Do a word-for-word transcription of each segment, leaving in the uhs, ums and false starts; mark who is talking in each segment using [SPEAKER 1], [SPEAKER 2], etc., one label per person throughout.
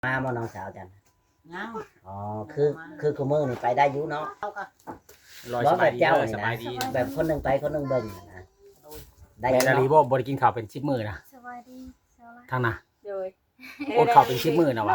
[SPEAKER 1] มาบ่น้องสาวจัน
[SPEAKER 2] ยัง
[SPEAKER 1] อ๋อคือคือคุมือนี่ไปได้อยู่เนาะ
[SPEAKER 3] ลอยสบา
[SPEAKER 1] บ่แบ
[SPEAKER 3] ย
[SPEAKER 1] บ
[SPEAKER 3] ดี
[SPEAKER 1] เจ้า
[SPEAKER 3] เลย
[SPEAKER 1] นี่
[SPEAKER 3] ส
[SPEAKER 1] นะ
[SPEAKER 3] บายดี
[SPEAKER 1] แบบคนหนึงไปคนหนึงเบิ่งนะได้อ
[SPEAKER 3] แม่
[SPEAKER 1] ยู่
[SPEAKER 3] นาลี
[SPEAKER 1] เนาะ
[SPEAKER 3] บ่บ่ได้กินข้าวเป็นสิบมื้อนะ
[SPEAKER 4] สวัสดีสวัสดี
[SPEAKER 3] ทางน่ะ
[SPEAKER 2] โดย
[SPEAKER 3] อดข้าวเป็นสิบมื้อนะวะ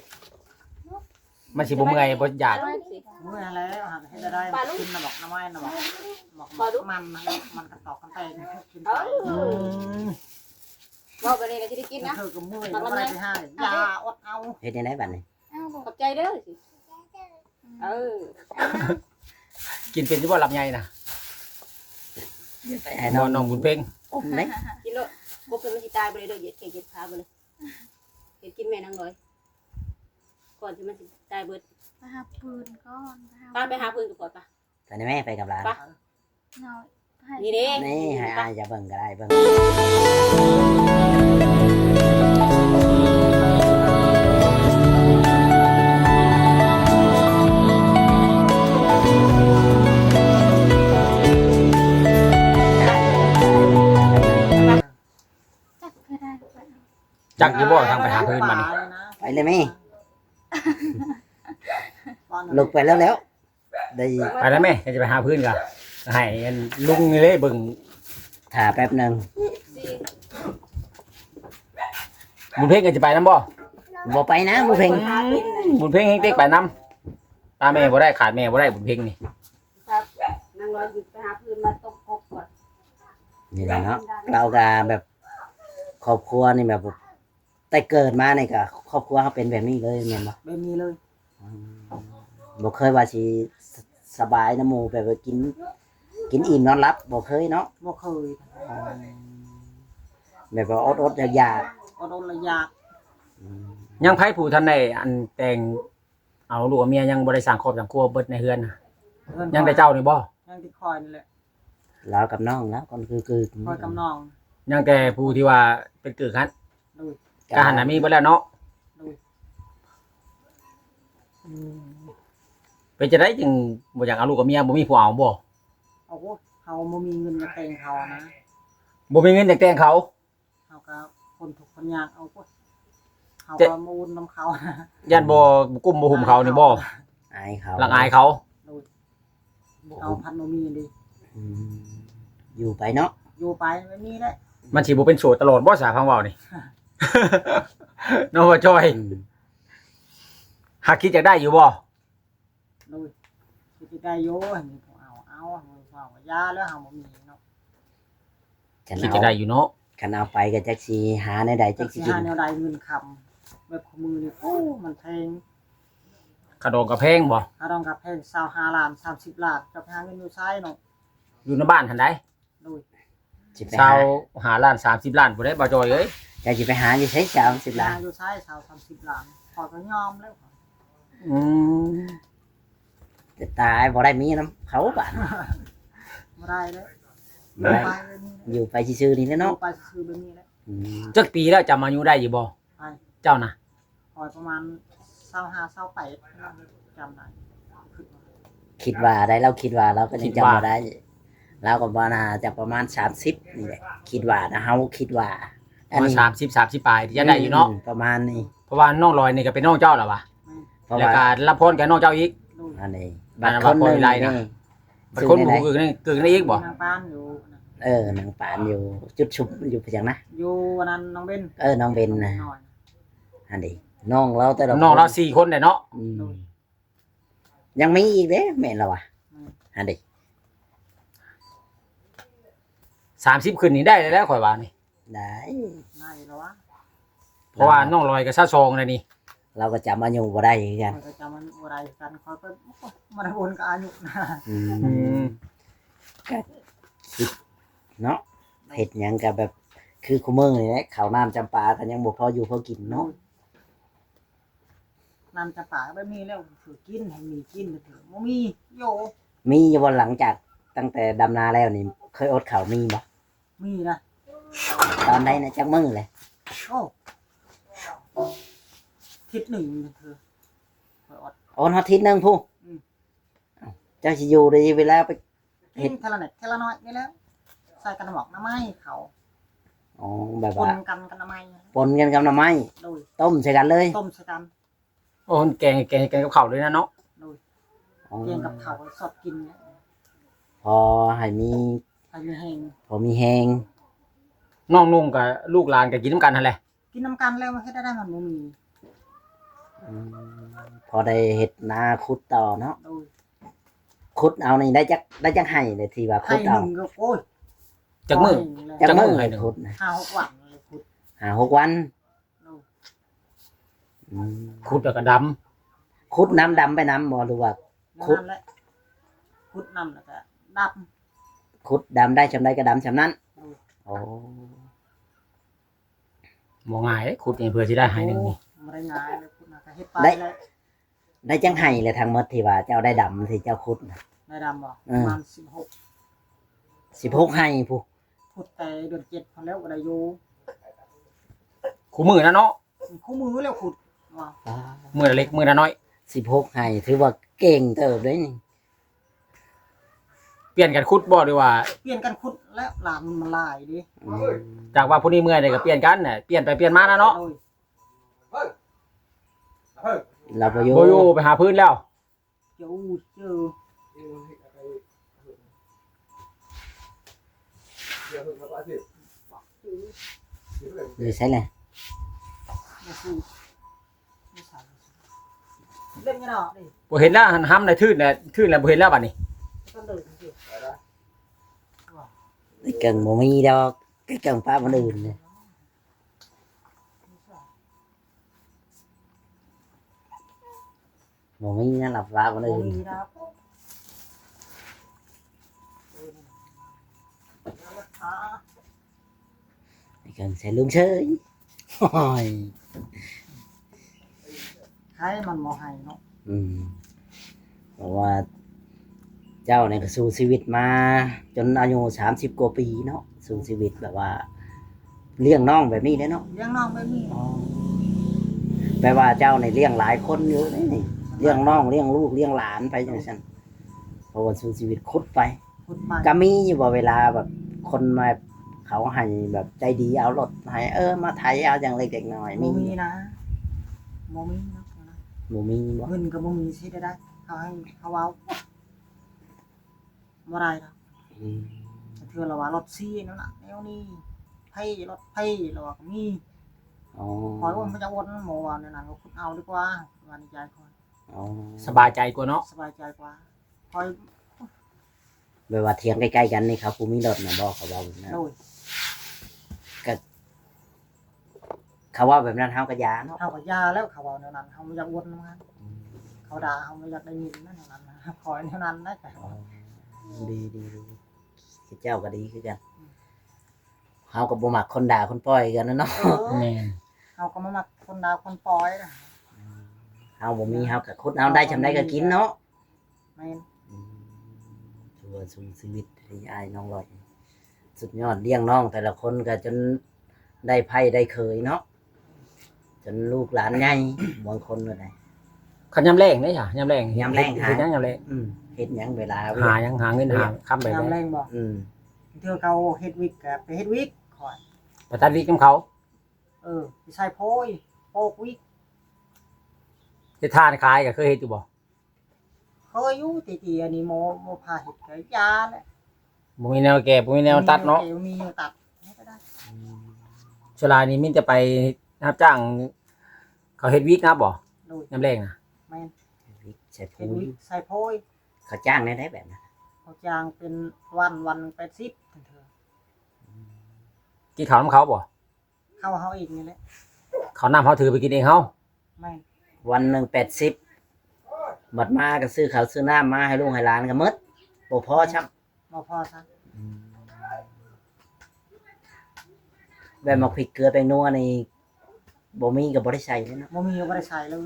[SPEAKER 3] มันสิบ่เมื่อยบ่อยาก
[SPEAKER 2] เมื่อแล้วหันให้ได้กินน่ะบอกน้ำไม้น่ะบอกบอกมันนะมันกระตอกกันไปกินไป
[SPEAKER 3] อืม
[SPEAKER 5] บอกไปเลยก็จะได้กินนะ
[SPEAKER 2] เธอก็เมื่อยก็ไม่ได้ไปให้ยาอดเอา
[SPEAKER 1] เฮ็ดจังได๋บัดนี้
[SPEAKER 4] เอ้าบอก
[SPEAKER 5] ขอบใจเด้อสิเออ
[SPEAKER 3] กินเป็นสิบ่ลำไยนะ
[SPEAKER 1] ไปให้
[SPEAKER 3] น
[SPEAKER 1] น้
[SPEAKER 3] อ
[SPEAKER 1] อน ง
[SPEAKER 3] น้องบุญเพ่ง
[SPEAKER 1] อมเด้
[SPEAKER 5] กินแล้วพวกเพิ่นมันสิตายไปเลยเด้อเหยียดแขนเหยียดขาไปเลยเหยียดกินแม่นางลอยก่อนที่มันสิตายเบิด
[SPEAKER 4] ไปหาปืนก่อน
[SPEAKER 5] ป้าไปหาเพิ่นกับก่อนป่ะ
[SPEAKER 1] ไปนี่แม่ไปกับหลาน
[SPEAKER 4] หน่อยให้
[SPEAKER 5] นี่เด้
[SPEAKER 1] นี่ให้อายจะเบิ่งก็ได้เบิ่ง
[SPEAKER 4] จักก็ได้ไป
[SPEAKER 3] จักอยู่บ่ทางไปหาเพิ่นมานี่
[SPEAKER 1] ไปเลยแม่ลุกไปแล้วแล้วได้
[SPEAKER 3] ไปแล้วแม่จะไปหาเพิ่นก็ให้อันลุงนี่เลยเบิ่ง
[SPEAKER 1] ถ่าแป๊บหนึง
[SPEAKER 5] สิ
[SPEAKER 3] บุญเพ่งก็จะไปนํบ่
[SPEAKER 1] บ่ไปนะบ่เพ่ง
[SPEAKER 5] หาเพิ่นน่ะ
[SPEAKER 3] บุญเพ่งเฮงเต็กไปนํตาแม่บ่ได้ขาดแม่บ่ได้บุญเพ่งนี่
[SPEAKER 5] ครับนางลอยหยุดไปหาเพิ่นมาตบกบก่อน
[SPEAKER 1] นี่แหละเนาะเราก็แบบครอบครัวนี่แบบแต่เกิดมานี่ก็ครอบครัวเขาเป็นแบบนี้เลยแม่นบ่
[SPEAKER 2] เป็นมีเลย
[SPEAKER 1] อืมบ่เคยว่าสิสสบายนะหมู่แบบว่ากิน กินอิ่มนอนหลับบ่เคยเนาะ
[SPEAKER 2] บ่เคย
[SPEAKER 1] แบบว่าอดๆอยาก
[SPEAKER 2] อดอดระยาก
[SPEAKER 1] ๆอืม
[SPEAKER 3] ยังไผผู้ทันได้อันแต่งเอาลูกเอาเมียยังบ่ได้สร้างครอบสร้างครัวเบิดในเฮือนน่ะยังแต่เจ้านี่บ่
[SPEAKER 2] ยังที่คอยนี่แหละ
[SPEAKER 1] เรากับน้องแล้วก็คือคือ
[SPEAKER 2] คอยกำนอง
[SPEAKER 3] ยังแต่ผู้ที่ว่าเป็นกือคัน
[SPEAKER 2] ดู
[SPEAKER 3] กหันน่ะมีเบิดแล้วเนาะ
[SPEAKER 2] ดู
[SPEAKER 3] เป็นจะได้จึงบ่อยากเอาลูกกับเมียบ่มีผู้เอาบ่
[SPEAKER 2] เอาโอ้เขาบ่มีเงินมาแต่งเขานะ
[SPEAKER 3] บ่มีเงินอยากแต่งเขา
[SPEAKER 2] เขาก็คนทุกคนยากเอาโอ้เขา
[SPEAKER 3] เจ๊
[SPEAKER 2] ก็มูลน้ำเขานะ
[SPEAKER 3] ญาติบ่กุมบ่หุมเขานี่บ่
[SPEAKER 1] อายเขา
[SPEAKER 3] ลังอายเขา
[SPEAKER 2] เอาพันโนมีดี
[SPEAKER 1] อืมอยู่ไปเนาะ
[SPEAKER 2] อยู่ไปไม่มีแล้ว
[SPEAKER 3] มันสิบ่เป็นโสดตลอดบ่สาพังเว้านี่ น้องว่าจอย
[SPEAKER 1] อืม
[SPEAKER 3] หากคิดอยากได้อยู่บ่
[SPEAKER 2] ดูที่ได้โย่เห็นเขาเอาเอาเขาเอายาแล้วเขาบ่มีเนาะ
[SPEAKER 1] ฉัน
[SPEAKER 3] คิด
[SPEAKER 1] เอา
[SPEAKER 3] จะได้อยู่เนาะ
[SPEAKER 1] คันเอาไปก็จักสิหาในใดจั
[SPEAKER 2] จั
[SPEAKER 1] ก
[SPEAKER 2] ก
[SPEAKER 1] สิ
[SPEAKER 2] สิ
[SPEAKER 1] กิน
[SPEAKER 2] หาแนวใดเงินคำแบบขมือนี่โอ้มันแพง
[SPEAKER 3] กระดองกระแพงบ่
[SPEAKER 2] ถ้าต้องกับแพงสาวห้าล้านสามสิบล้านจะหาเงินอยู่ใช้เนาะ
[SPEAKER 3] อยู่ในบ้านหั่นใด
[SPEAKER 2] ดู
[SPEAKER 1] สิไป
[SPEAKER 3] ชา
[SPEAKER 1] หาว
[SPEAKER 3] หาล้านสามสิบล้านบ่ได้บ่จอยเอ้ย
[SPEAKER 1] จะสิไปหาอยู่ใช้สามสิบล้าน
[SPEAKER 2] อยู่ใช้สาวสามสิบล้านพอก็ยอมแล้ว
[SPEAKER 3] อืม
[SPEAKER 1] จะตายบ่ได้มีน้ำเขาบาด
[SPEAKER 2] ไม่ได้เลย
[SPEAKER 1] บ่ได้
[SPEAKER 2] ไปเลยนี่
[SPEAKER 1] อยู่ไปซื่อๆนี่แหละ
[SPEAKER 2] เนาะ
[SPEAKER 1] เนาะ
[SPEAKER 2] ไปซื้อแบบนี้แล้ว
[SPEAKER 1] อืม
[SPEAKER 3] จักปีแล้วจำอายุได้อยู่บ่
[SPEAKER 2] ไป
[SPEAKER 3] เจ้าน่ะ
[SPEAKER 2] คอยประมาณสาวห้าสาวแปดจำได้ขึ้นมา
[SPEAKER 1] คิดว่าได้เราคิดว่าเราก็ยังจำบ่ได้เราก็บ่น่าจะประมาณสามสิบนี่แหละคิดว่านะเฮาคิดว่า
[SPEAKER 3] ประมาณสามสิบ สามสิบปลายที่จะได้อยู่เนาะ
[SPEAKER 1] มประมาณนี้
[SPEAKER 3] เพราะว่าน้องลอยนี่ก็เป็นน้องเจ้าแล้ววะ
[SPEAKER 1] เพราะ
[SPEAKER 3] แล้ว
[SPEAKER 1] ว่า
[SPEAKER 3] ก็รับพรกับน้องเจ้าอีก
[SPEAKER 2] ดู
[SPEAKER 1] อันนี้
[SPEAKER 3] บ้า
[SPEAKER 1] บั
[SPEAKER 3] น
[SPEAKER 1] ด
[SPEAKER 3] เรา
[SPEAKER 1] คนหนึง
[SPEAKER 3] บ่มีไรนะ
[SPEAKER 1] นี่
[SPEAKER 3] บัดคนหมู่กึ่งนี่กึ่งนี่อีกบ่
[SPEAKER 2] นางปานอยู่นะ
[SPEAKER 1] เออหนังปานอยู่จุดชุบอยู่เพียงนะ
[SPEAKER 2] อยู่วันนั้นน้องเบน
[SPEAKER 1] เออน้องเบนนะ
[SPEAKER 2] หอย
[SPEAKER 1] อันนี้น้องเราแต่ละ
[SPEAKER 3] น้องเรา
[SPEAKER 1] ค
[SPEAKER 3] สี่คนได้เนาะ
[SPEAKER 1] อืมยังมีอีกเด้แม่นเราอ่ะอันนี้
[SPEAKER 3] สามสิบขึ้นนี่ได้แล้วข่อยว่านี่
[SPEAKER 1] ได้
[SPEAKER 2] น่าอยู่แล้ววะ
[SPEAKER 3] เพราะว่าน้องลอยกับซาซองเลยนี่
[SPEAKER 1] เราก็จำอายุบ่ได้คือกัน
[SPEAKER 2] คอยก็จำมันอะไรกันคอยก็มันวนกับอายุนะ
[SPEAKER 1] อื
[SPEAKER 3] อื
[SPEAKER 1] ม
[SPEAKER 3] ม
[SPEAKER 1] เนาะเห็ดหยังกับแบบ คือคุมือนี่แหละข้าวน้ำจำปากันยังบ่พออยู่พอกินเนาะ
[SPEAKER 2] น้ำจะป่าไม่มีแล้วถือกินให้มีกินเถอะไม่มีโย
[SPEAKER 1] มีอยู่บ่หลังจากตั้งแต่ดำนาแล้วนี่เคยอดข้าวมีบ่
[SPEAKER 2] มีนะ
[SPEAKER 1] ตอนใดนะจักมื้อเลย
[SPEAKER 2] โอ้ทิศหนึ่งเธอคอยอด
[SPEAKER 1] โอนฮอดทิศหนึงผู้
[SPEAKER 2] อืม
[SPEAKER 1] เอ้าเจ้าสิอยู่ได้เวลาไป เห็
[SPEAKER 2] เห็
[SPEAKER 1] ด
[SPEAKER 2] นเทละเน็ตเทละน้อยนี่แล้วใส่กันหมอกน้ำไม้เขา
[SPEAKER 1] ออ๋อแบบ
[SPEAKER 2] คน
[SPEAKER 1] ว่า
[SPEAKER 2] กันกันทำไม
[SPEAKER 1] ปนกันกับหน่อไม้
[SPEAKER 2] โดย
[SPEAKER 1] ต้มใส่กันเลย
[SPEAKER 2] ต้มใส่กัน
[SPEAKER 3] โอ้แกงแกงแกงกับข้าวด้วยนะเนาะ
[SPEAKER 2] โดย
[SPEAKER 1] อ๋อ
[SPEAKER 2] เกียงกับเขาวสดกินเนี่ย
[SPEAKER 1] พอให้มี
[SPEAKER 2] ไปมีแหง
[SPEAKER 1] พอมีแหง
[SPEAKER 3] น้องนุ่งกับลูกหลานก็กินน้ำกันนั่นแหละ
[SPEAKER 2] กินน้ำกันแล้วมันให้ได้ได้มันบ่มี
[SPEAKER 1] อืมพอได้เฮ็ดนาขุดต่อเนาะ
[SPEAKER 2] โดย
[SPEAKER 1] ขุดเอานี่ได้จักได้จักให้เลยที่ว่า
[SPEAKER 2] ให้
[SPEAKER 1] ขุด
[SPEAKER 2] ห
[SPEAKER 1] เอา
[SPEAKER 2] นึ่งก็โอ้ย
[SPEAKER 3] จากมือ
[SPEAKER 1] จัก
[SPEAKER 3] จักมื้
[SPEAKER 1] มื้
[SPEAKER 3] อ
[SPEAKER 1] อ
[SPEAKER 3] ให้
[SPEAKER 1] ให้
[SPEAKER 3] หนึ่ง
[SPEAKER 1] ขุดนะ
[SPEAKER 2] ห้าหกวันเลยขุด
[SPEAKER 1] ห้าหกวัน
[SPEAKER 2] โดย
[SPEAKER 1] อืม
[SPEAKER 3] ขุดแล้วก็ด
[SPEAKER 1] ขุดน้ำดำไปน้ำบ่หรือว่า ขุด
[SPEAKER 2] นั่นแหละขุดน้ำแล้วก็ดับ
[SPEAKER 1] ขุดดำได้ชำใดก็ดำชำนั้น
[SPEAKER 2] โดย
[SPEAKER 1] โอ้
[SPEAKER 3] ำบ่ง่ายเด้ขุดนี่เพื่อสิได้ให้หนึ่งนี่
[SPEAKER 2] ไม่ได้ง่ายเลยขุดนะก็เฮ็ดไปเลย
[SPEAKER 1] ได้จังให้เลยทางหมดที่ว่าเจ้าได้ดำที่เจ้าขุดน่ะ
[SPEAKER 2] ได้ดำบ่
[SPEAKER 1] อื
[SPEAKER 2] ป
[SPEAKER 1] ม
[SPEAKER 2] ระมาณสิบหก
[SPEAKER 1] สิบหกให้ผู้
[SPEAKER 2] ขุดแต่เดือนเจ็ดพอแล้วก็ได้อยู่
[SPEAKER 3] คู่มือนะเนาะ
[SPEAKER 2] คู่มือแล้วขุดว่า
[SPEAKER 3] มือละเล็กมือละน้อย
[SPEAKER 1] สิบหกให้ถือว่าเก่งเติบเลยนี่
[SPEAKER 3] เปลี่ยนกันขุดบ่หรือว่า
[SPEAKER 2] เปลี่ยนกันขุดแล้วหลานมันหลายดิ
[SPEAKER 1] อืม
[SPEAKER 3] จากว่าผู้นี้เมื่อยเนี่ยก็เปลี่ยนกันน่ะเปลี่ยนไปเปลี่ยนมานะเนาะ
[SPEAKER 2] โดย
[SPEAKER 1] เราไปอยู่
[SPEAKER 3] บ่อยู่ไปหาพื้นแล้ว
[SPEAKER 2] เจ้าเจอ
[SPEAKER 1] หรือใช่เลย
[SPEAKER 2] ไม่สู้ไม่ใส่เล่นกันเนาะดิ
[SPEAKER 3] บ่เห็นแล้วหันห้ำในทื่นน่ะทื่นแล้วบ่เห็นแล้วบัดนี้
[SPEAKER 2] ก็เดินสิ
[SPEAKER 1] ไอ้เก่งบ่มีดอกไอ้เก่งป้าคนอื่นเนี่ยบ่มีนะหลับป้าคน
[SPEAKER 2] โอ้
[SPEAKER 1] อื่น
[SPEAKER 2] มีนะอ่า
[SPEAKER 1] ไอ้เก่งใส่ลุงเฉยโอ้ย
[SPEAKER 2] ให้มันบ่ให้เนาะ
[SPEAKER 1] อืมเพราะว่า เจ้าเนี่ยก็สู้ชีวิตมา จนอายุสามสิบกว่าปีเนาะสู้ชีวิตแบบว่า เลี้ยงน้องแบบนี้เด้เนาะ
[SPEAKER 2] เลี้ยงน้องไม่มี
[SPEAKER 1] แปลว่าเจ้าในยเลี้ยงหลายคนอยู่นี่นี่เลี้ยงน้องเลี้ยงลูกเลี้ยงหลานไปจังซั่นเพราะว่าสู้ชีวิตคุดไป
[SPEAKER 2] ขุดมา
[SPEAKER 1] ก็มีอยู่บ่เวลาแบบคนมาเขาให้แบบใจดีเอารถให้เออมาไถเอาอย่างเล็กๆน้อยๆ
[SPEAKER 2] บ่
[SPEAKER 1] มี
[SPEAKER 2] มีนะบ่มีนะ
[SPEAKER 1] บ่มีบ่
[SPEAKER 2] เงินก็บ่มีสิได้ได้เขาให้เขาเอาบ่ได้ดอก
[SPEAKER 1] อืม
[SPEAKER 2] เทื่อละว่ารถซีนั่นน่ะแนวนี้ไผรถไผแล้วว่าก็มี
[SPEAKER 1] อ๋อ
[SPEAKER 2] คอยว่ามันจะวนหมู่ว่านั่นน่ะก็ขุดเอาดีกว่าว่าในใจคอย
[SPEAKER 1] อ๋อ
[SPEAKER 3] สบายใจกว่าเนาะ
[SPEAKER 2] สบายใจกว่าคอย
[SPEAKER 1] แบบว่าเถียงใกล้ๆกันนี่ครับผู้มีรถน่ะบ่เขาเว้าแบบนั้น
[SPEAKER 2] โดย
[SPEAKER 1] เขาว่าแบบนั้นเฮาก็ยาเนาะ
[SPEAKER 2] เฮาก็ยาแล้วเขาเอาแนวนั้นเฮาบ่อยากวนนำกันเขาด่าเฮาบ่อยากได้ยินนั่นแนวนั้นนะคอยแนวนั้นได้แต่
[SPEAKER 1] อ๋อดีดีดีคิดเจ้าก็ดีคือกันเฮาก็บ่มักคนด่าคนปล่อยกันนะเนาะ
[SPEAKER 2] เออ
[SPEAKER 3] แม่น
[SPEAKER 2] เฮาก็มามักคนดาวคนปล่อยนะ
[SPEAKER 1] เฮาบ่มีเฮาก็คุดเอาได้ชำใดก็กินเนาะ
[SPEAKER 2] แม่น
[SPEAKER 1] อืมถือว่าสู้ชีวิตที่อายน้องลอย สุดยอดเลี้ยงน้องแต่ละคนก็จนได้ไพ่ได้เคยเนาะจนลูกหลานใหญ่บางคนก็ได้
[SPEAKER 3] คันยามแรงเด้จ้ะยามแรง
[SPEAKER 1] ยามแรงหา
[SPEAKER 3] เฮ็ดหยังยามแรง
[SPEAKER 1] อืมเฮ็ดหยังเวลาเว้ย
[SPEAKER 3] หาหยังหาเงินหาค้ำไป
[SPEAKER 2] ยาม
[SPEAKER 3] แล้
[SPEAKER 2] แร
[SPEAKER 3] ว
[SPEAKER 2] งบ่
[SPEAKER 1] อืม
[SPEAKER 2] เทื่อเขาเฮ็ดวิกก็ไปเฮ็ดวิกคอย
[SPEAKER 3] ไปตัดวิกกับเขา
[SPEAKER 2] เออไปใส่โพยโปกวิก
[SPEAKER 3] เฮ็ดทานขายก็เคยเฮ็ดอยู่บ่
[SPEAKER 2] เคยอยู่ตีๆอันนี้โมโมพาเฮ็ดก็ยาแหละ
[SPEAKER 3] บ่มีแนวแก้บ่มีแนวตัดเนาะ
[SPEAKER 2] มีแนวตัดก็ได้
[SPEAKER 3] ชลานี่มินจะไปรับจ้าง เขาเฮ็ดวิกนะบ่
[SPEAKER 2] โดย
[SPEAKER 3] ยามแรงน่ะ
[SPEAKER 2] แม่น
[SPEAKER 1] ใช่
[SPEAKER 2] เฮ็
[SPEAKER 1] พู
[SPEAKER 2] ด
[SPEAKER 1] ด
[SPEAKER 2] วิกใส่โพย
[SPEAKER 1] เขาจ้างได้ได้แบบนั้น
[SPEAKER 2] เขาจ้างเป็นวันวันแปดสิบเถอะ
[SPEAKER 3] กินข้าวนํเขาบ่
[SPEAKER 2] เข้าเฮาเองนี่แหละ
[SPEAKER 3] เขาน้ำเขาถือไปกินเองเฮา
[SPEAKER 2] แม่น
[SPEAKER 1] วันหนึ่งแปดสิบบัดมาก็ซื้อข้าวซื้อน้ำมาให้ลูกให้หลานก็หมดบ่พอช้ำ
[SPEAKER 2] บ่พอซะ
[SPEAKER 1] แบบมาพริกเกลือแป้งนัวนี่บ่มีก็บ่ได้ใส่เลยเนาะ
[SPEAKER 2] บ่มีก็บ่ได้ใช้เลย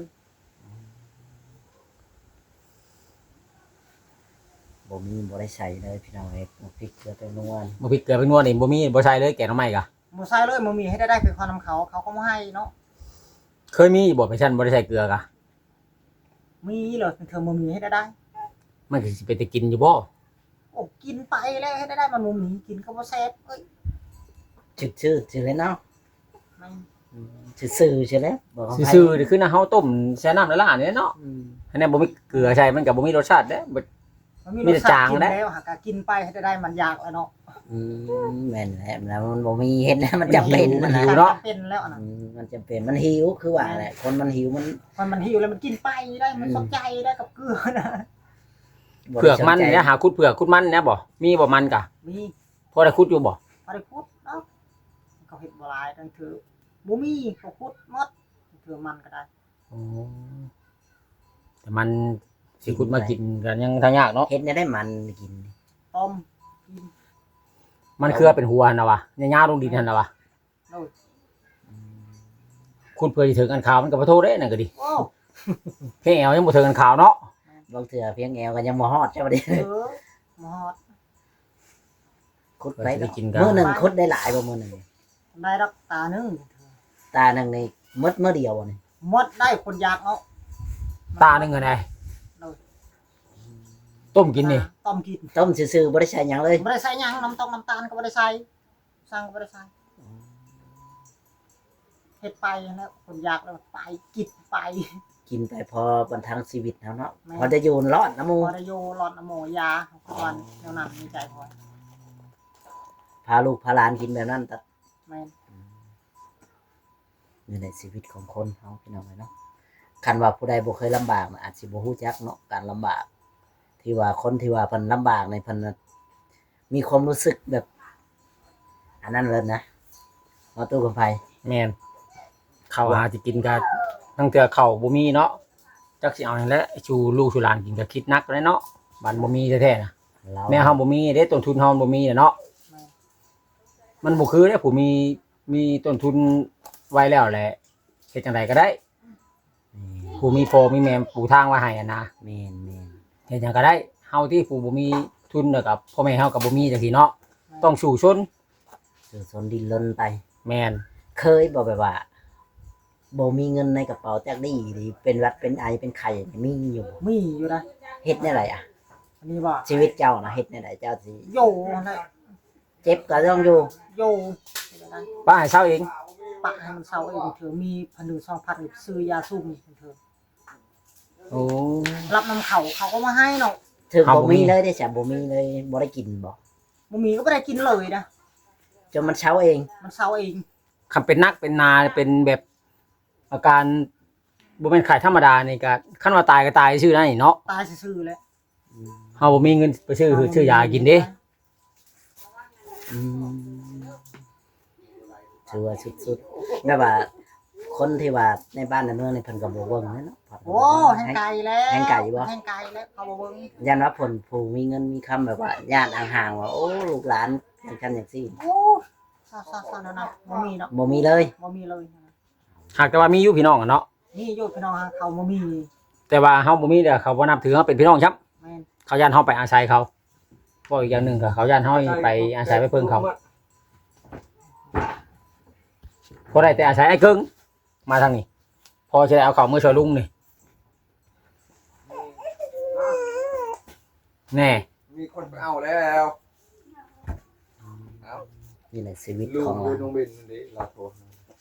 [SPEAKER 1] บ่มีบ่ได้ใส่เลยพี่น้องเอ้ยมาพริกเกลือแป้งนัวนี่
[SPEAKER 3] บ่พริกเกลือไปนวดนี่บ่มีบ่ใช่เลยแกงหน่อไม้กะ
[SPEAKER 2] บ่ใช้เลยบ่มีให้ได้ได้ไปความนำเขาเขาก็บ่ให้เนาะ
[SPEAKER 3] เคยมีบ่ไปชั้นบ่ได้ใส่เกลือกะ
[SPEAKER 2] มีเลยเธอบ่มีให้ได้ได้
[SPEAKER 3] มันก็สิไปแต่กินอยู่บ่
[SPEAKER 2] โอ้กินไปแล้วให้ได้ได้มันบ่มีกินก็บ่แซ่บเอ้ย
[SPEAKER 1] ชื่อชื่อชื่อเลยเนาะ
[SPEAKER 2] ไม่
[SPEAKER 1] ชื่อซื่อใช่แล้วบอกเขาไป
[SPEAKER 3] ซื่อๆนี่คือน้าเฮาต้มแช่น้ำละลายนี่เนาะ
[SPEAKER 1] อืม
[SPEAKER 3] อันนี้บ่มีเกลือใช่มันก็บ่มีรสชาติเด้บ่
[SPEAKER 2] มันมี
[SPEAKER 3] มี
[SPEAKER 2] ร
[SPEAKER 3] แต่
[SPEAKER 2] สชา
[SPEAKER 3] จาง
[SPEAKER 2] ติกิน
[SPEAKER 3] นะ
[SPEAKER 2] แล้วหากกินไปให้ได้มันอยากแล้วเนาะ
[SPEAKER 1] อืมแม่นแหละแล้วมันบ่มีเฮ็ดนะมันจำเป็น
[SPEAKER 2] มั
[SPEAKER 1] นะ
[SPEAKER 2] น
[SPEAKER 1] นะ
[SPEAKER 2] หิวเนาะเป็นแล้วนะ
[SPEAKER 1] อืมมันจำเป็นมันหิวคือว่าแหละคนมันหิวมัน
[SPEAKER 2] มันมันหิวแล้วมันกินไปได้มันสนใจได้กับเกลือนะ
[SPEAKER 1] บ่
[SPEAKER 3] เผือกมัน
[SPEAKER 1] ได้สใจ
[SPEAKER 3] เนี่ยหาคุดเผือกคุดมันเนี่ยบ่มีบ่มันกะ
[SPEAKER 2] มี
[SPEAKER 3] พอได้คุดอยู่บ่
[SPEAKER 2] บริคุดเนาะเขาเห็ดบหลายนั่นคือบูมี่เขาคุดหมดคือมันก็ได้
[SPEAKER 3] อ๋อแต่มันสิคุดมากินกันยังทางยากเนาะ
[SPEAKER 1] เฮ็ดเนี่ยได้มันกิน
[SPEAKER 2] ต้มกิน
[SPEAKER 3] มันคือเป็นหัวนะวะยาวๆลงดินนั่นน่ะวะ
[SPEAKER 2] โอ้ย
[SPEAKER 3] คุดเพื่อสิถึงอันขาวมันก็บ่โทษเด้นั่นก็ดี
[SPEAKER 2] โอ้
[SPEAKER 3] เพียงแอวยังบ่ถึงอันขาวเนาะ
[SPEAKER 1] บางเทื่อเพียงแอวก็ยังบ่ฮอดเจ้าบ่ได้
[SPEAKER 2] เออหมด
[SPEAKER 1] คุดไป
[SPEAKER 3] ไปกินกัน
[SPEAKER 1] มื้อหนึงคุดได้หลายบ่มื้อหนึง
[SPEAKER 2] ได้รักตาหนึ่ง
[SPEAKER 1] ตาหนึงนี่หมดมื้อเดียวบ่นี่
[SPEAKER 2] หมดได้คนอยากเอา
[SPEAKER 3] ตาหนึงก็ได้ต้มกินนี่
[SPEAKER 2] ต้มกิน
[SPEAKER 1] ต้มซื่อๆบ่ได้ใส่หยังเลย
[SPEAKER 2] ไม่ได้ใส่หยังน้ำตกน้ำตาลก็ไม่ได้ใส่สั่งก็ไม่ได้ใส่เฮ็ดไปแล้วคนอยากแล้วไปกินไป
[SPEAKER 1] กินไปพอบรรทังชีวิตเฮาเนาะพอจะอยู่รอดนะหมู่
[SPEAKER 2] พอได้โยหลอดน้ำโมยาของวันแนวนั้นมีใจพอ
[SPEAKER 1] พาลูกพาหลานกินแบบนั้นแต่
[SPEAKER 2] แม่น
[SPEAKER 1] นี่แหละชีวิตของคนเฮาพี่น้องเนาะคันว่าผู้ใดบ่เคยลำบากน่ะอาจสิบ่ฮู้จักเนาะการลำบาก ที่ว่าคนที่ว่าเพิ่นลำบากในเพิ่นน่ะมีความรู้สึกแบบ อันนั้นเลยนะมาตู้กับไผ
[SPEAKER 3] แม่นข้าวอาสิกินก็ทั้งเทื่อข้าวบ่มีเนาะจักสิเอาหยังแหละชูลูกชูหลานกินก็คิดหนักเลยเนาะบ้านบ่มีแท้ๆน่ะ
[SPEAKER 1] เรา
[SPEAKER 3] แม่เฮาบ่มีเด้ต้นทุนเฮาบ่มีน่ะเนาะ
[SPEAKER 2] แม่น
[SPEAKER 3] มันบ่คือเด้ผู้มีมีต้นทุนไว้แล้วแหละเฮ็ดจังไดก็ได้ผู้มีพ่อมีแม่ปูทางไว้ให้อะนะ
[SPEAKER 1] แม่นแม่น
[SPEAKER 3] เฮ็ดหยังก็ได้เฮาที่ผู้บ่มีทุนแล้วกับพ่อแม่เฮาก็บ่มีจังซี่เนาะต้องสู้ชน
[SPEAKER 1] คือสนดินรนไป
[SPEAKER 3] แม่น
[SPEAKER 1] เคยบ่แบบว่าบ่มีเงินในกระเป๋าจักดีหรือเป็นหวัดเป็นไอเป็นไข้มีอยู่บ่
[SPEAKER 2] มีอยู่นะ
[SPEAKER 1] เฮ็ดแนวใดอ่ะ
[SPEAKER 2] อันนี้ว่า
[SPEAKER 1] ชีวิตเจ้านะเฮ็ดแนวใดเจ้าสิ
[SPEAKER 2] โยนะ
[SPEAKER 1] เจ็บก็ต้องอยู่
[SPEAKER 2] โย
[SPEAKER 3] ป้าให้เช้าเอง
[SPEAKER 2] ปะให้มันเศร้าเองเถอะมีพันหนึ่งสองพันซื้อยาซุ่มเถอะ
[SPEAKER 3] โอ้
[SPEAKER 2] รับน้ำเขาเขาก็มาให้เนาะ
[SPEAKER 1] ถึง
[SPEAKER 3] เอา
[SPEAKER 1] บ่
[SPEAKER 3] บ่มี
[SPEAKER 1] มีเลยได้จ้ะบ่มีเลยบ่ได้กินบ่
[SPEAKER 2] บ่มีก็ไม่ได้กินเลยนะ
[SPEAKER 1] จนมันเช้าเอง
[SPEAKER 2] มันเศร้าเอง
[SPEAKER 3] คันเป็นนักเป็นนาเป็นแบบอาการบ่แม่นไข้ธรรมดานี่ก็คันว่าตายก็ตายชื่อนั่นนี่เนาะ
[SPEAKER 2] ตายซื่อๆแล้ว
[SPEAKER 3] เฮาบ่มีเงินไปซื้อซื้อยากินเด้
[SPEAKER 1] อืมถือว่าสุดๆแบบว่า คนที่ว่าในบ้านในเมืองในเพิ่นก็บ่เบิ่งแม่นเนาะ
[SPEAKER 2] โอ้แห้งไก่แล้ว
[SPEAKER 1] แห้งไก่บ่
[SPEAKER 2] แห้งไก่แล้วเขาบ่เบิ่ง
[SPEAKER 1] ยันว่าผลผู้มีเงินมีคำแบบว่าญาติห่างๆว่าโอ้ลูกหลานอย่างกันอย่างซี่
[SPEAKER 2] โอ้ซาซาซาๆๆนะบ่มีเนาะ
[SPEAKER 1] บ่มีเลย
[SPEAKER 2] บ่มีเลย
[SPEAKER 3] หากแต่ว่ามีอยู่พี่น้องอะเนาะ
[SPEAKER 2] นี่โยพี่น้องเขาบ่มี
[SPEAKER 3] แต่ว่าเฮาบ่มีเด้อเขาบ่นับถือเฮาเป็นพี่น้องครับ
[SPEAKER 2] แม่น
[SPEAKER 3] เขาย่านเฮาไปอาศัยเขาบ่อีกอย่างหนึงก็เขาย่านเฮาไปอาศัยไปเพิ่งเขาบ่ได้แต่อาศัยไอ้เกิงมาทางนี้พอสิได้เอาเขามือช่วยลุงนี่แน่
[SPEAKER 6] มีคนไปเอาแล้ว
[SPEAKER 1] นี่แหละชีวิต
[SPEAKER 6] ลู
[SPEAKER 1] ข
[SPEAKER 6] ก
[SPEAKER 1] อง
[SPEAKER 6] ลู
[SPEAKER 1] เรา
[SPEAKER 6] กน้องเบนนี่ลาโทษ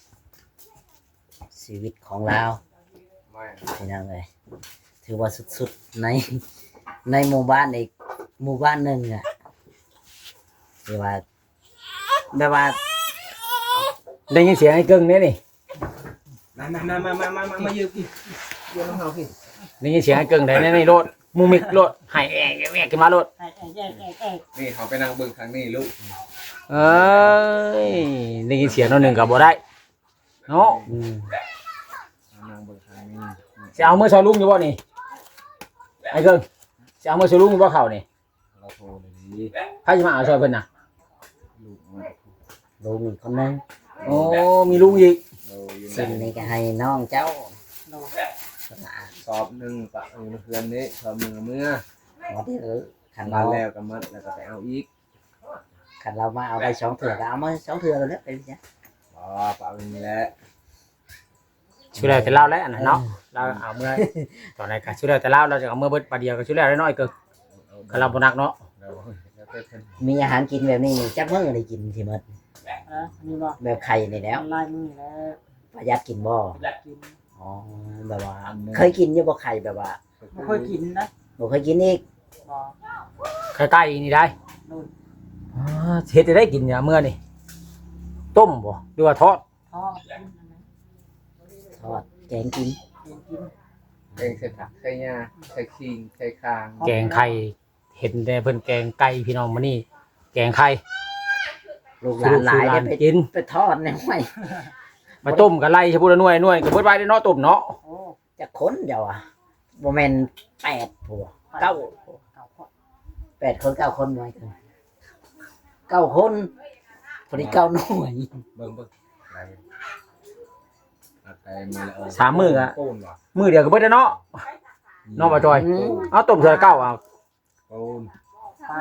[SPEAKER 1] ชีวิตของเรา
[SPEAKER 6] ไม่
[SPEAKER 1] พี่น้องเอ้ยถือว่าสุดๆในในหมู่บ้านอีกหมู่บ้านหนึงอ่ะที่ว่าแบบว่า
[SPEAKER 3] ได้ยินเสียงไอ้เกิงเนี่ยนี่
[SPEAKER 6] มามามามามามามายืมพี่ยืมน้องเขาพี่
[SPEAKER 3] ได้ยินเสียงไอ้เกิงได้ในในรถมูมิกรถให้แอกแอกขึ้นมารถ
[SPEAKER 2] ไอ้ไอ้แย่แย่แย่
[SPEAKER 6] นี่เขาไปนั่งเบิ่งทางนี้ลูก
[SPEAKER 3] เอ้ยได้ยินเสียงตัวหนึ่งกับบ่ได้เนาะ
[SPEAKER 1] อืม
[SPEAKER 6] นั่งเบิ่งทางนี้
[SPEAKER 3] จะเอามือชอลุงอยู่บ่นี่ไอ้เกิงจะเอามือชอลุงอยู่บ่เขานี่
[SPEAKER 6] ลาโทษเลยดี
[SPEAKER 3] ใครจะมาเอาชอยเพิ่นน่ะ
[SPEAKER 6] ลูกมา
[SPEAKER 1] ลูกอีกคนนึง
[SPEAKER 3] โอ้มีลุงอีก
[SPEAKER 6] เราอยู่
[SPEAKER 1] สิ่งนี้ก็ให้น้องเจ้า
[SPEAKER 2] โล
[SPEAKER 6] สอบหนึ่งปะเออเพื่อนนี้สอบมือเมื่อ
[SPEAKER 1] ว่าที่เออขัน
[SPEAKER 6] มา
[SPEAKER 1] เรา
[SPEAKER 6] แล้วก็มัดแล้วก็ไปเอาอีก
[SPEAKER 1] ขันเรามาเอาไปสองเถื่อก็เอามาสองเถื่อแล้วเนี่ยไปจ้ะ
[SPEAKER 6] อ๋อปะนี่แหละ
[SPEAKER 3] ช่วยแล้วแต่เล่าแล้วอันนั้นเนาะเราเอาเมื่อตอนไหนก็ช่วยแล้วแต่เล่าเราจะเอาเมื่อเบิดปลาเดียวก็ช่วยแล้วได้น้อยเกินก็เราบ่นักเนาะ
[SPEAKER 6] เราแล้วก็เพิ่น
[SPEAKER 1] มีอาหารกินแบบนี้นี่จักมื้อได้กินสิหมด
[SPEAKER 2] นะนี่บ่
[SPEAKER 1] แบบไข่นี่แล้ว
[SPEAKER 2] ลายมือแล้ว
[SPEAKER 1] ประหยัดกินบ่
[SPEAKER 2] อยากกิน
[SPEAKER 1] อ๋อแบบว่า เคยกินอยู่บ่ไข่แบบว่า
[SPEAKER 2] ไม่เคยกินนะ
[SPEAKER 1] บ่เคยกินอีก
[SPEAKER 2] บ่
[SPEAKER 3] ใกล้ๆนี่ได้
[SPEAKER 2] นู่น
[SPEAKER 3] อ๋อเฮ็ดจะได้กินเนี่ยเมื่อนี่ต้มบ่หรือว่าทอด
[SPEAKER 2] ทอดกินนะ
[SPEAKER 1] ทอดแกงกิน
[SPEAKER 2] กินกิน
[SPEAKER 6] แกงใส่ผักใส่หญ้าใส่ขิงใส่คาง
[SPEAKER 3] แกงไข่เห็นแต่เพิ่นแกงไก่พี่น้องมานี่แกงไข่
[SPEAKER 1] ลูกหลานหลายได้ไป
[SPEAKER 3] กิน
[SPEAKER 1] ไปทอดในห้วย
[SPEAKER 3] มาต้มกับไล่ชะพูละหน่วยหน่วยก็เบิดไว้ได้เนาะต้มเนาะ
[SPEAKER 2] โอ้
[SPEAKER 1] จะค้นเดี๋ยวอ่ะบ่แม่นแปดผัวเก้า
[SPEAKER 2] เก่าพอ
[SPEAKER 1] แปดคนเก้าคนไว้กันเก้าคนพอดีเก้าหน่วย
[SPEAKER 6] เบิ่งเบิ่งอะไรอะไรมาแล้ว
[SPEAKER 3] สามมื้ออะ
[SPEAKER 6] โป้นว่ะ
[SPEAKER 3] มื้อเดียวก็เบิดได้เนาะ น้องบ่จอย
[SPEAKER 1] อืม
[SPEAKER 3] เอาต้มเทื่อเก้าเอา
[SPEAKER 6] โป้น
[SPEAKER 2] ป้าย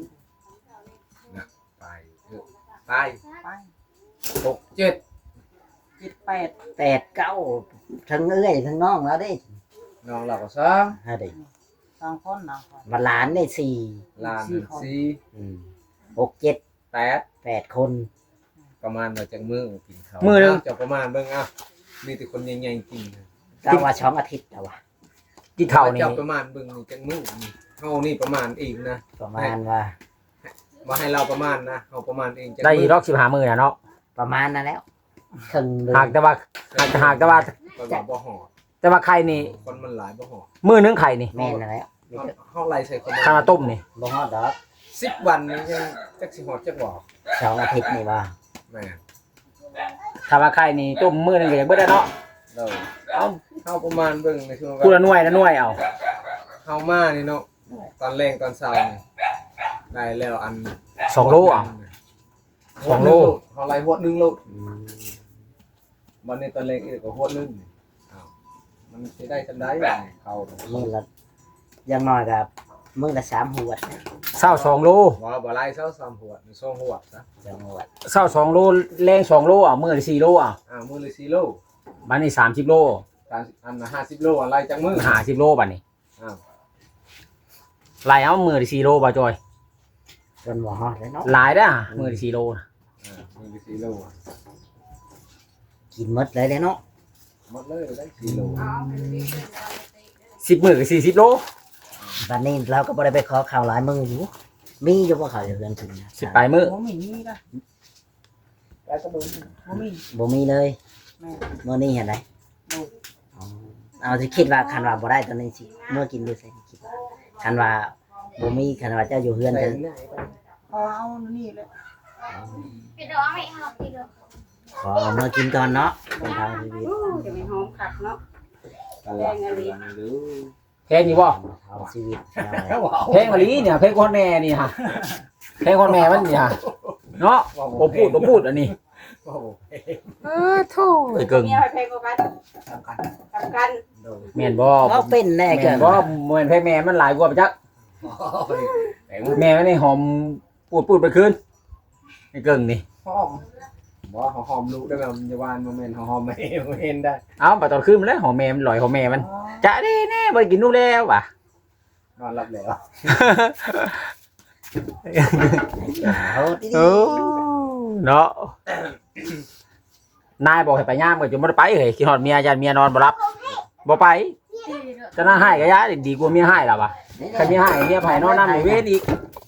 [SPEAKER 6] ไปเออไป
[SPEAKER 2] ป้าย
[SPEAKER 6] หกเจ็ด
[SPEAKER 2] เจ็ดแปด
[SPEAKER 1] แปดเก้าทั้งเอ้ยทั้งน้องแล้วเด้
[SPEAKER 6] น้องเราก็สอง
[SPEAKER 1] ฮะเด้
[SPEAKER 2] สองคนนะ
[SPEAKER 1] มาหลานได้สี่
[SPEAKER 6] หลานหนึ่งสี่
[SPEAKER 1] อืมหกเจ็ด
[SPEAKER 6] แปด
[SPEAKER 1] แปดคน
[SPEAKER 6] ประมาณมาจากมือกินข้าว
[SPEAKER 3] มื้อหนึง
[SPEAKER 6] จะประมาณเบิ่งอ่ะมีแต่คนใหญ่ๆกินนะ
[SPEAKER 1] เก้าว่าสองอาทิตย์แล้ววะ
[SPEAKER 3] กินข้าวนี่
[SPEAKER 6] เจ้าประมาณเบิ่งนี่จากมือนี่เฮานี่ประมาณเองนะ
[SPEAKER 1] ประมาณว่า
[SPEAKER 6] มาให้เราประมาณนะเฮาประมาณเองจาก
[SPEAKER 3] ได้
[SPEAKER 6] มื
[SPEAKER 3] อีกรอบสิบห้ามื้อน่ะเนาะ
[SPEAKER 1] ประมาณนั้นแล้วครึ่งเดือ
[SPEAKER 3] หาก
[SPEAKER 1] น
[SPEAKER 3] แต่ว่าหากหากแต่ว่า
[SPEAKER 6] คนว่าบ่หอด
[SPEAKER 3] แต่ว่าไข่นี่
[SPEAKER 6] คนมันหลายบ่หอด
[SPEAKER 3] มื้อนึงไข่นี่
[SPEAKER 1] แม่นนั่นแล้วมี
[SPEAKER 6] เฮา
[SPEAKER 1] แต่
[SPEAKER 6] เฮาไล่ใส่คน
[SPEAKER 3] ข้าวต้มนี่
[SPEAKER 1] บ่ฮอดดอก
[SPEAKER 6] สิบวันนี้ยังจักสิหอดจักบ่
[SPEAKER 1] สองอาทิตย์นี่ว่า
[SPEAKER 6] แม่
[SPEAKER 3] ถ้าว่าไข่นี่ต้มมื้อนึงก็ยังเบิดได้เนาะ
[SPEAKER 6] เราเอ้าเฮาประมาณเบิ่งในช่วง
[SPEAKER 3] พูละหน่วยละหน่วยเอา
[SPEAKER 6] เฮามานี่เนาะตอนแรงตอนเช้านี่ได้แล้วอัน
[SPEAKER 3] สองโลอ่ะ สองโล
[SPEAKER 6] เฮาไล่หัวหนึงโล
[SPEAKER 1] อืม
[SPEAKER 6] วันนี้ตอนแรงอีกก็หัวหนึงอ้าวมันสิได้จังได๋เนี่ยเขา
[SPEAKER 1] มื้อละอยังน้อยกับมื้อละสามหัวดนะ
[SPEAKER 3] เช้าสองโล
[SPEAKER 6] บ่บ่ไล่เช้าสามหัวนี่สองหัวซะ
[SPEAKER 1] สองหัวด
[SPEAKER 3] เช้าสองโลแรงสองโลเอามื้อละสี่โลเอา
[SPEAKER 6] อ้าวมื้อละสี่โล
[SPEAKER 3] บัดนี้สามสิบโล
[SPEAKER 6] ตามอันน่ะห้าสิบโลอะไรจังมื้อ
[SPEAKER 3] ห้าสิบโลบัดนี้
[SPEAKER 6] อ้าว
[SPEAKER 3] ไล่เอามื้อละสี่โลบ่จอย
[SPEAKER 1] จนบ่ฮอดเลยเนาะ
[SPEAKER 3] หลายเด้อมื้อละสี่โลน่ะ
[SPEAKER 6] อ่ามื้อละสี่โลอะ
[SPEAKER 1] กินหมดเลยเด้เนาะ
[SPEAKER 6] หมดเลยได้สี่โล
[SPEAKER 3] สิบมื้อก็สี่สิบโล
[SPEAKER 1] บัดนี้เราก็บ่ได้ไปขอข้าวหลายมื้ออยู่มีอยู่บ่ข้าวอยู่เรือนถึงนะ
[SPEAKER 3] สิบปลายมื้อ
[SPEAKER 2] โอ้มีนี่นะ
[SPEAKER 6] ได้ก็มื้อ
[SPEAKER 2] โอ้มี
[SPEAKER 1] บ่มีเลย
[SPEAKER 2] แม่
[SPEAKER 1] มื้อนี้เห็นได
[SPEAKER 2] ดู
[SPEAKER 1] อ๋อเอาสิคิดว่าคันว่าบ่ได้ตอนนี้สิเมื่อกินดูสิคิดว่าคันว่าบ่มีคันว่าเจ้าอยู่เฮือน
[SPEAKER 6] ใส่
[SPEAKER 1] จะ
[SPEAKER 6] ไหนไป
[SPEAKER 2] พอเอานี่เลย
[SPEAKER 4] Cái đó mẹ học thì được.
[SPEAKER 1] ขอเอามากินก่อนเนาะเป็นทางชีวิต
[SPEAKER 5] จะไม่หอมคักเนาะ
[SPEAKER 6] ตลาดเรือนหรือ
[SPEAKER 3] แพงอยู่บ่
[SPEAKER 1] ทางชีวิต
[SPEAKER 3] แพงกว่านี้เนี่ยแพงกว่าแม่นี่ฮะแพงกว่าแม่มันนี่ฮะเนาะบ่พูดบ่พูดอันนี้
[SPEAKER 6] โอ้โห
[SPEAKER 3] เออโธ่ไอ้เกิง
[SPEAKER 5] เมียไปกว่ากัน
[SPEAKER 6] สำคัญ
[SPEAKER 5] กำกัน
[SPEAKER 6] โดย
[SPEAKER 3] แม่นบ่
[SPEAKER 1] เขาเป็นแน่
[SPEAKER 3] แม่
[SPEAKER 1] เกิ
[SPEAKER 3] น
[SPEAKER 1] น
[SPEAKER 3] บ่แม่นแพงแม่มันหลายกว่าไปจัก
[SPEAKER 6] แต่ว่า
[SPEAKER 3] แม่มันนี่หอมพูดพูดไปคืนไอ้เกิงนี่
[SPEAKER 6] หอมบ่หอมลูกได้แบบมันจะหวานมาแม่นหอมไม่เห็นได้
[SPEAKER 3] เอ้าบัดตอนคืนมันแล้วหอมแม่มันลอยหอมแม่มันจะได้แน่บ่ได้กินนูกแล้วว่ะ
[SPEAKER 6] นอนหลับแล้ว
[SPEAKER 1] เขาดี
[SPEAKER 3] โอ้เนาะนายบอกให้ไปย่ามก็จะบ่ได้ไปเฮ้ยคิดฮอดเมียยันเมียนอนบ่รับบ่ไป
[SPEAKER 4] Thì được.
[SPEAKER 3] จะน่าให้ก็ย้ายดีกว่าเมียให้ล่ะว่ะคันเมียให้เมียไผนอนนำในเวรอีก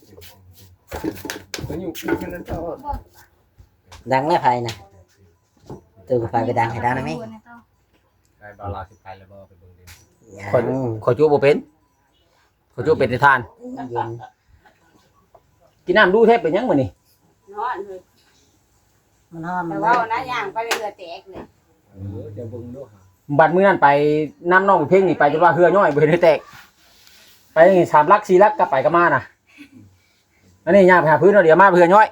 [SPEAKER 6] มันอยู่แค่นั้นเท่า
[SPEAKER 1] ดังแล้วไผนะตัวก็ไฟไปดังให้ดังได้ไหม
[SPEAKER 4] Buồn này tao.
[SPEAKER 6] ไอ้บาลาสิไปแล้วบ่ไปเบิ่งดิ
[SPEAKER 1] ยัง
[SPEAKER 3] คน ขอจูบ่เป็นขอจูเป็นแต่ทาน
[SPEAKER 1] เย็น
[SPEAKER 3] กินน้ำดูแทบเป็นหยังมื้อนี่
[SPEAKER 5] นอนเลย
[SPEAKER 2] มันห้ามมั
[SPEAKER 5] แต่
[SPEAKER 2] น
[SPEAKER 5] ว่านะย่างไปเรือแตกเลย
[SPEAKER 6] เออจะเบิ่งดูหา
[SPEAKER 3] บัดมื้อนั้นไปน้ำน้องเพ่งนี่ไปจนว่าเฮือย่อยบ่เห็นให้แตกไปนี่สามลักสี่ลักกลับไปกลับมาน่ะอันนี้ย่างไปหาพื้นเอาเดี๋ยวมาเฮือย่อย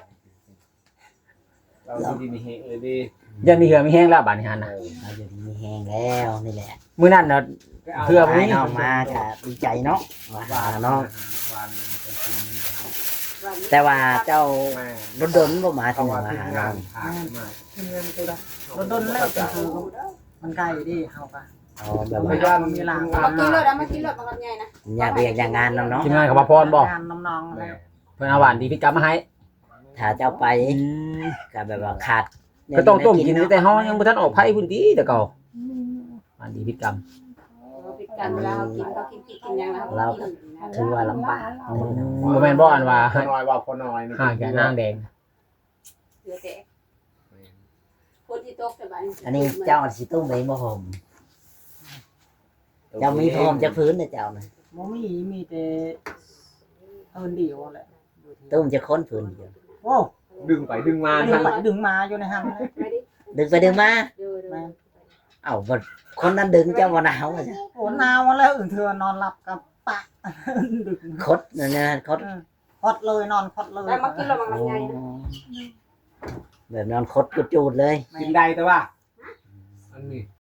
[SPEAKER 6] เราดีมีเฮเออดี
[SPEAKER 3] ยันมีเหือมีแห้งแล้วบัดนี้หั่นน่ะ
[SPEAKER 1] เราอยู่ดีมีแห้งแล้วนี่แหละ
[SPEAKER 3] มื้อนั้นน่ะ เพื่อ
[SPEAKER 1] ให้น้องมาก็ดีใจเนาะว่าหาน้อง
[SPEAKER 6] วันเป็นกิน
[SPEAKER 5] วัน
[SPEAKER 1] แต่ว่าเจ้า
[SPEAKER 6] แม่
[SPEAKER 1] โดนๆบ่มา
[SPEAKER 6] เขา
[SPEAKER 1] ถึง
[SPEAKER 6] ว่า
[SPEAKER 1] มา
[SPEAKER 6] ที่
[SPEAKER 1] หา
[SPEAKER 6] งา
[SPEAKER 1] น้อน ง
[SPEAKER 6] ถามมาที่เงินตัวละ
[SPEAKER 2] โดนๆแล้วเป็นคือมันไกลดิเฮาปะ
[SPEAKER 1] อ๋อแบบ
[SPEAKER 6] พ
[SPEAKER 1] ว่าย
[SPEAKER 6] าน
[SPEAKER 2] มีหลัง
[SPEAKER 5] มากินรถอะมากินรถมากันใหญ่นะ
[SPEAKER 1] อยากเรียกอย่างงานนำเนาะ
[SPEAKER 3] ทีมงานเขามาพรบ่
[SPEAKER 2] งานน้องๆ
[SPEAKER 6] แม่
[SPEAKER 2] แล้ว
[SPEAKER 3] เพิ่นเอาหวานดีพิกรรมมาให้
[SPEAKER 6] แ
[SPEAKER 1] ถ้าเจ้าไป
[SPEAKER 3] อืม
[SPEAKER 1] ก็แบบว่าขาด
[SPEAKER 3] ก็ต้องต้มกิน
[SPEAKER 1] เาะ
[SPEAKER 3] แต่เฮายังบ่ทันออกไผพุ่นติแต่เก่าอันนี้พิษกรรม
[SPEAKER 5] เราปิดกันเวลาเขากินเขากินกินกินยังแล้ว
[SPEAKER 1] เราก็ถือว่าลำบาก
[SPEAKER 3] อืมบ่แม่นบ่อันว่า
[SPEAKER 6] พอน้อยว่าพอน้อยนี่
[SPEAKER 3] หาแก่นางแดง
[SPEAKER 5] เหลือแต่คนที่ตกแต่บ้าน
[SPEAKER 1] อันนี้เจ้าสิตุ้มเองบ่ห่มเจ้ามีพร้อมจะพื้นเด้อเจ้าน่ะ
[SPEAKER 2] บ่มีมีแต่เอินเดียวแหละ
[SPEAKER 1] ตุ้มจะค้นพื้นเดียว
[SPEAKER 2] โอ้
[SPEAKER 6] ดึงไปดึงมา
[SPEAKER 2] ดึ
[SPEAKER 6] ทั้
[SPEAKER 2] ง
[SPEAKER 6] ง
[SPEAKER 2] ไปดึงมาอยู่ในห้างเลย
[SPEAKER 5] ไปดิ
[SPEAKER 1] ดึงไปดึงมา
[SPEAKER 5] เดูดู
[SPEAKER 2] แม่
[SPEAKER 1] เอ้าบ่คนนั้นดึงเจ้าบ่หนาวอะจ้ะ
[SPEAKER 2] โอ้หนาวแล้วอื่นเธอนอนหลับกับปะดึก
[SPEAKER 1] คดนั่นนะคด
[SPEAKER 2] คดเลยนอนคดเลย
[SPEAKER 5] แล้วมากินเราบางลำไยนะ
[SPEAKER 1] แบบนอนคดกุดจูดเลย
[SPEAKER 6] กินได้แต่ว่าอันนี้